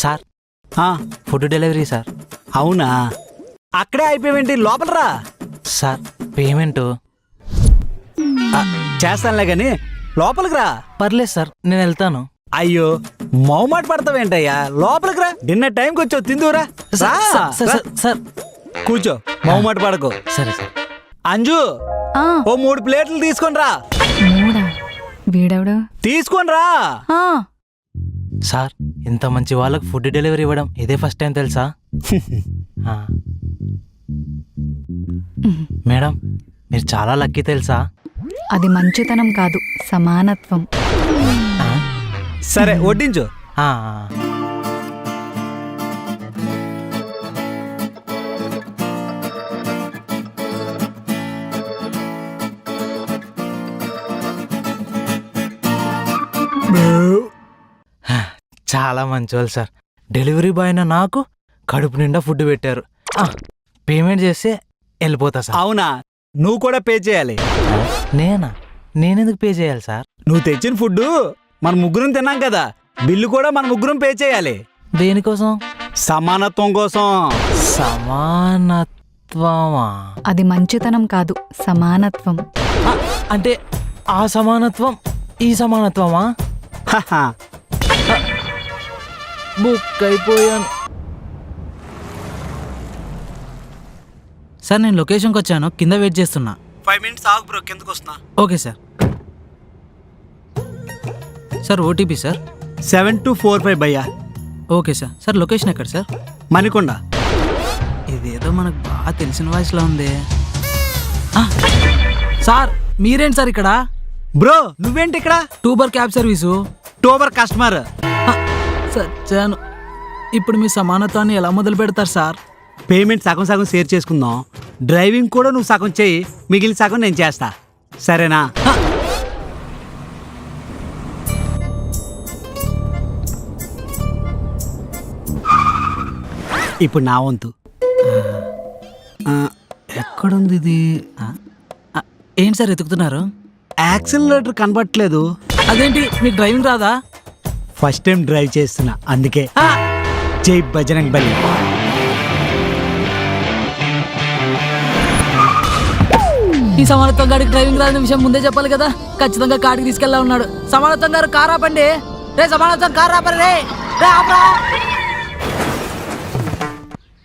Sir food delivery sir. అవునా, అక్కడే అయిపోయావేంటి, లోపల రా. సార్ పేమెంట్ చేస్తానులే గాని లోపలికి రా. పర్లేదు సార్, నేను వెళ్తాను. అయ్యో, మౌమాట పడతావేంటయ్యా, లోపలికి రా. డిన్నర్ టైంకి వచ్చావు, తిందురా. సార్ కూర్చో, మౌమాట పడకు. సరే సార్. అంజు, ఓ 3 ప్లేట్లు తీసుకొని రా. వీడెవడు తీసుకొని రా. సార్, ఇంత మంచి వాళ్ళకి ఫుడ్ డెలివరీ ఇవ్వడం ఇదే ఫస్ట్ టైం తెలుసా? మేడం, మీరు చాలా లక్కీ తెలుసా? అది మంచితనం కాదు, సమానత్వం. సరే వడ్డించు. చాలా మంచివాళ్ళు సార్. డెలివరీ బాయ్ అయినా నాకు కడుపు నిండా ఫుడ్ పెట్టారు. పేమెంట్ చేస్తే వెళ్ళిపోతా సార్. అవునా, నువ్వు కూడా పే చేయాలి. నేనెందుకు పే చేయాలి సార్? నువ్వు తెచ్చిన ఫుడ్ మన ముగ్గురం తిన్నాం కదా, బిల్లు కూడా మన ముగ్గురం పే చేయాలి. దేనికోసం? సమానత్వం కోసం. సమానత్వమా? అది మంచితనం కాదు, సమానత్వం. అంటే ఆ సమానత్వం ఈ సమానత్వమా? బుక్ అయిపోయాను సార్. నేను లొకేషన్కి వచ్చాను, కింద వెయిట్ చేస్తున్నా. 5 minutes ఆగు బ్రో, కిందకు వస్తున్నా. Okay sir. Sir OTP sir 7245 భయ్యా. Okay sir. సార్ లొకేషన్ ఎక్కడ సార్? మణికొండ. ఇదేదో మనకు బాగా తెలిసిన వాయిస్లో ఉంది. సార్ మీరేంటి సార్ ఇక్కడ? బ్రో నువ్వేంటి ఇక్కడ? టూబర్ క్యాబ్ సర్వీసు. టూబర్ కస్టమర్. సచ్చాను. ఇప్పుడు మీ సమానత్వాన్ని ఎలా మొదలు పెడతారు సార్? పేమెంట్ సగం సగం షేర్ చేసుకుందాం. డ్రైవింగ్ కూడా నువ్వు సగం చెయ్యి, మిగిలిన సగం నేను చేస్తా, సరేనా? ఇప్పుడు నా వంతు. ఎక్కడుంది ఇది? ఏంటి సార్ ఎతుకుతున్నారు? యాక్సిలరేటర్ కనబట్టలేదు. అదేంటి, మీకు డ్రైవింగ్ రాదా? ఫస్ట్ టైం డ్రైవ్ చేస్తున్నా, అందుకే. జై బజరంగ్ బలి. ఈ సమానత్వం గారికి డ్రైవింగ్ రాని విషయం ముందే చెప్పాలి కదా. ఖచ్చితంగా కాడికి తీసుకెళ్ళా ఉన్నాడు. సమానత్వం గారు కార్ ఆపండి. రే సమానత్వం కార్ ఆపండి రే.